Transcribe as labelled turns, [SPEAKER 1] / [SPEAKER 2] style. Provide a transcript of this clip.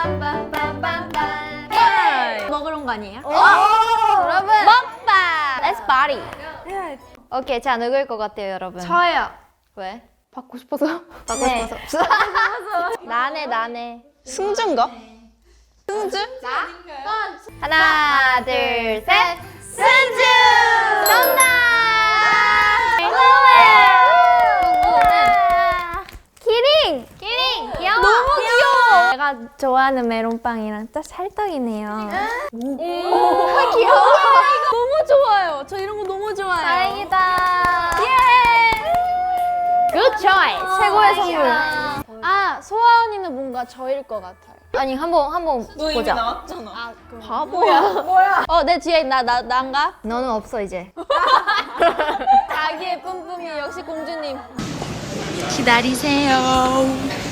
[SPEAKER 1] 먹으러 온 거 아니에요?
[SPEAKER 2] 여러분 먹방. Let's party. 오케이, 자 누구일 것 같아요, 여러분?
[SPEAKER 1] 저요.
[SPEAKER 2] 왜?
[SPEAKER 1] 받고 싶어서.
[SPEAKER 2] 받고 싶어서. 나네.
[SPEAKER 3] 승주인가? 승주?
[SPEAKER 2] 하나, 둘, 셋. 승주! 정답! 키링! 귀여워!
[SPEAKER 1] 너무 귀여워.
[SPEAKER 2] 내가 좋아하는 메론빵이랑 딱 찰떡이네요.
[SPEAKER 1] 귀여워. 너무 좋아요. 저 이런 거 너무 좋아해요.
[SPEAKER 2] 다행이다. Good choice. 최고의 선물.
[SPEAKER 1] 아, 소아 언니는 뭔가 저일 것 같아요.
[SPEAKER 2] 아니 한번
[SPEAKER 3] 너 이미
[SPEAKER 2] 보자.
[SPEAKER 3] 나왔잖아.
[SPEAKER 2] 바보야.
[SPEAKER 1] 내 뒤에 난가?
[SPEAKER 2] 너는 없어 이제.
[SPEAKER 1] 자기의 뿜뿜이 역시 공주님.
[SPEAKER 3] 기다리세요.